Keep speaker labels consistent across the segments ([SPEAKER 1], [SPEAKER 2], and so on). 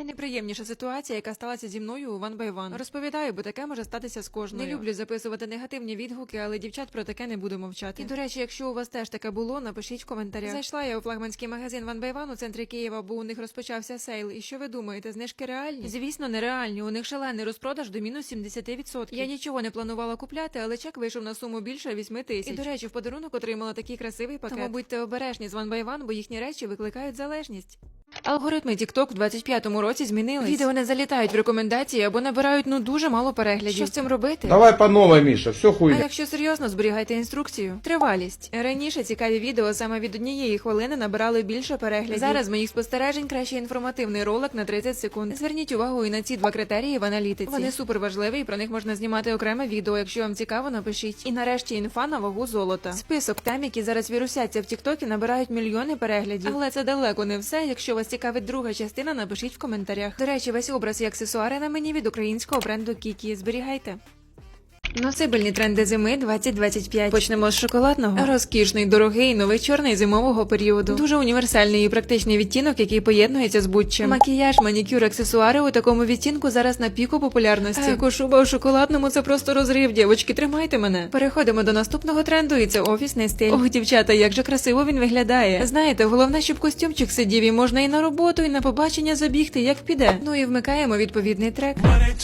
[SPEAKER 1] Найнеприємніша ситуація, яка сталася зі мною у One by One. Розповідаю, бо таке може статися з кожною. Не люблю записувати негативні відгуки, але дівчат про таке не буду мовчати. І, до речі, якщо у вас теж таке було, напишіть в коментарях. Зайшла я у флагманський магазин One by One у центрі Києва, бо у них розпочався сейл. І що ви думаєте, знижки реальні? Звісно, нереальні. У них шалений розпродаж до мінус 70%. Я нічого не планувала купляти, але чек вийшов на суму більше 8 тисяч. І, до речі, в подарунок отримала такий красивий пакет. Тому будьте обережні з One by One, бо їхні речі викликають залежність. Алгоритми TikTok в 25-му році змінились. Відео не залітають в рекомендації або набирають дуже мало переглядів. Що з цим робити?
[SPEAKER 2] Давай по новой, Міша, все хуйня.
[SPEAKER 1] А якщо серйозно, зберігайте інструкцію. Тривалість. Раніше цікаві відео саме від 1 хвилини набирали більше переглядів. Зараз з моїх спостережень краще інформативний ролик на 30 секунд. Зверніть увагу і на ці два критерії в аналітиці. Вони супер важливі і про них можна знімати окреме відео. Якщо вам цікаво, напишіть. І нарешті інфа на вагу золота. Список тем, які зараз вірусяться в тіктокі, набирають мільйони переглядів. Але це далеко не все. Якщо вас цікавить друга частина, напишіть в коментарях. До речі, весь образ і аксесуари на мені від українського бренду Kiki. Зберігайте. Носибельні тренди зими 2025. Почнемо з шоколадного. Розкішний, дорогий, новий чорний зимового періоду. Дуже універсальний і практичний відтінок, який поєднується з будь-чим. Макіяж, манікюр, аксесуари у такому відтінку зараз на піку популярності. Кошуба у шоколадному – це просто розрив. Дівочки, тримайте мене. Переходимо до наступного тренду, і це офісний стиль. Ох, дівчата, як же красиво він виглядає. Знаєте, головне, щоб костюмчик сидів, і можна і на роботу, і на побачення забігти, як піде. Ну і вмикаємо відповідний трек.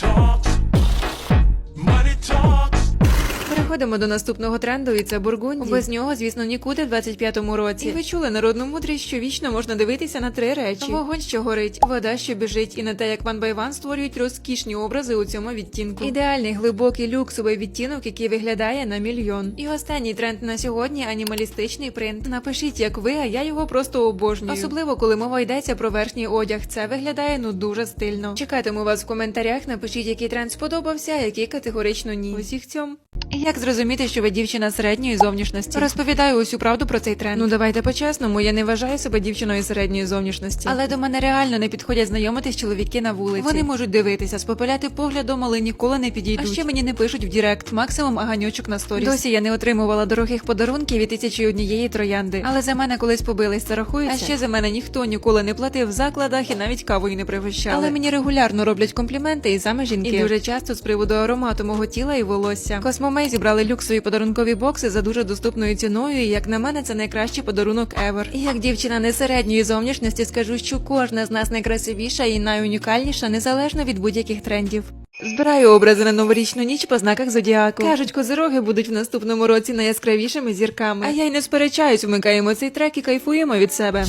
[SPEAKER 1] Переходимо до наступного тренду, і це бургунді. Без нього, звісно, нікуди в 25-му році. І ви чули народну мудрість, що вічно можна дивитися на 3 речі. Вогонь, що горить, вода, що біжить, і на те, як One by One створюють розкішні образи у цьому відтінку. Ідеальний, глибокий, люксовий відтінок, який виглядає на мільйон. І останній тренд на сьогодні – анімалістичний принт. Напишіть, як ви, а я його просто обожнюю. Особливо, коли мова йдеться про верхній одяг. Це виглядає, дуже стильно. Чекатиму вас в коментарях, напишіть, який тренд сподобався, а який категорично ні. Усіх цьом. Як зрозуміти, що ви дівчина середньої зовнішності? Розповідаю усю правду про цей тренд. Давайте по-чесному, я не вважаю себе дівчиною середньої зовнішності. Але до мене реально не підходять знайомитись чоловіки на вулиці. Вони можуть дивитися, спопиляти поглядом, але ніколи не підійдуть. А ще мені не пишуть в дірект, максимум аганьочок на сторіс. Досі я не отримувала дорогих подарунків від 1001 троянди. Але за мене колись побились, це рахується. А ще за мене ніхто ніколи не платив в закладах і навіть кавою не пригощали. Але мені регулярно роблять компліменти і саме жінки. І дуже часто з приводу аромату мого тіла і волосся. Космомей зібрали люксові подарункові бокси за дуже доступною ціною, і як на мене, це найкращий подарунок ever. І як дівчина не середньої зовнішності скажу, що кожна з нас найкрасивіша і найунікальніша, незалежно від будь-яких трендів. Збираю образи на новорічну ніч по знаках зодіаку. Кажуть, козироги будуть в наступному році найяскравішими зірками. А я й не сперечаюсь, вмикаємо цей трек і кайфуємо від себе.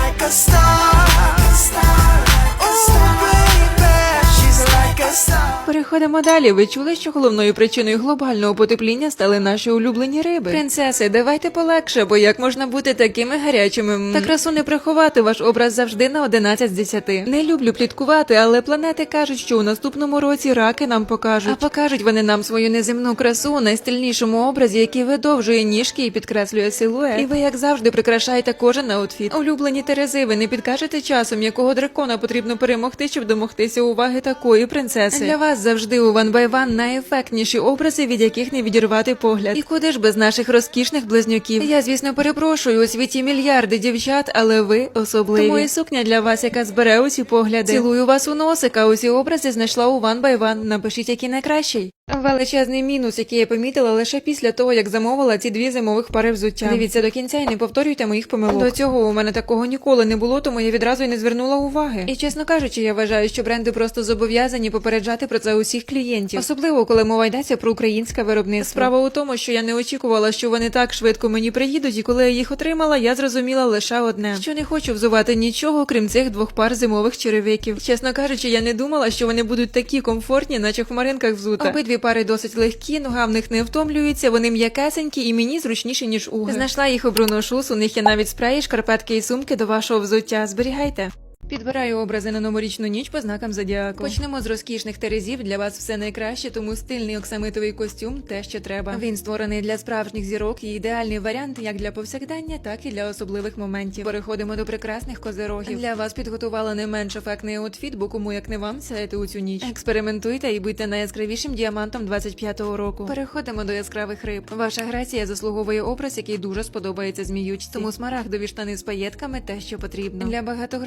[SPEAKER 1] Переходимо далі. Ви чули, що головною причиною глобального потепління стали наші улюблені риби? Принцеси, давайте полегше, бо як можна бути такими гарячими? Та красу не приховати, ваш образ завжди на 11 з 10. Не люблю пліткувати, але планети кажуть, що у наступному році раки нам покажуть. А покажуть вони нам свою неземну красу у найстильнішому образі, який видовжує ніжки і підкреслює силует. І ви, як завжди, прикрашаєте кожен аутфіт. Улюблені Терези, ви не підкажете часом, якого дракона потрібно перемогти, щоб домогтися уваги такої принцеси? Для вас завжди у One by One найефектніші образи, від яких не відірвати погляд. І куди ж без наших розкішних близнюків? Я, звісно, перепрошую, у світі мільярди дівчат, але ви особливі. Тому і сукня для вас, яка збере усі погляди. Цілую вас у носика, усі образи знайшла у One by One. Напишіть, який найкращий. Величезний мінус, який я помітила лише після того, як замовила ці 2 зимових пари взуття. Дивіться до кінця і не повторюйте моїх помилок. До цього у мене такого ніколи не було, тому я відразу й не звернула уваги. І, чесно кажучи, я вважаю, що бренди просто зобов'язані попереджати про це усіх клієнтів. Особливо, коли мова йдеться про українське виробництво. Справа у тому, що я не очікувала, що вони так швидко мені приїдуть, і коли я їх отримала, я зрозуміла лише одне. Що не хочу взувати нічого, крім цих 2 пар зимових черевиків. Чесно кажучи, я не думала, що вони будуть такі комфортні, наче в хмаринках взута. Обидві пари досить легкі, нога в них не втомлюється, вони м'якесенькі і мені зручніші, ніж уги. Знайшла їх у Bruno Shoes, у них є навіть спреї, шкарпетки і сумки до вашого взуття. Зберігайте. Підбираю образи на новорічну ніч по знакам зодіаку. Почнемо з розкішних терезів. Для вас все найкраще, тому стильний оксамитовий костюм – те, що треба. Він створений для справжніх зірок і ідеальний варіант як для повсякдення, так і для особливих моментів. Переходимо до прекрасних козирогів. Для вас підготувала не менш ефектний аутфіт, бо кому як не вам сяяти у цю ніч. Експериментуйте і будьте найяскравішим діамантом 25-го року. Переходимо до яскравих риб. Ваша грація заслуговує образ, який дуже сподобається зміючці. Тому смарагдові штани з паєтками – те, що потрібно. Для багатогранних близнюків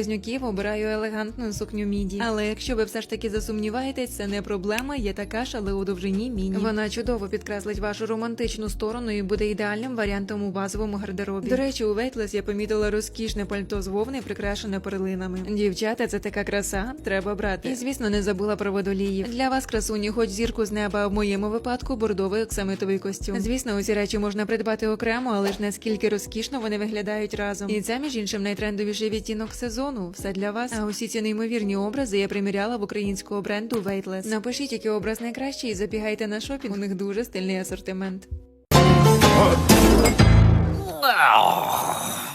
[SPEAKER 1] близнюків обираю елегантну сукню міді. Але якщо ви все ж таки засумніваєтесь, це не проблема, є така ж, але у довжині міні. Вона чудово підкреслить вашу романтичну сторону і буде ідеальним варіантом у базовому гардеробі. До речі, у Weightless я помітила розкішне пальто з вовни, прикрашене перлинами. Дівчата, це така краса, треба брати. І, звісно, не забула про водоліїв. Для вас, красуні, хоч зірку з неба, а в моєму випадку бордовий оксамитовий костюм. Звісно, усі речі можна придбати окремо, але ж наскільки розкішно вони виглядають разом. І це, між іншим, найтрендовіший відтінок сезону. Все для вас. А усі ці неймовірні образи я приміряла в українського бренду Weightless. Напишіть, який образ найкращий, і забігайте на шопінг. У них дуже стильний асортимент.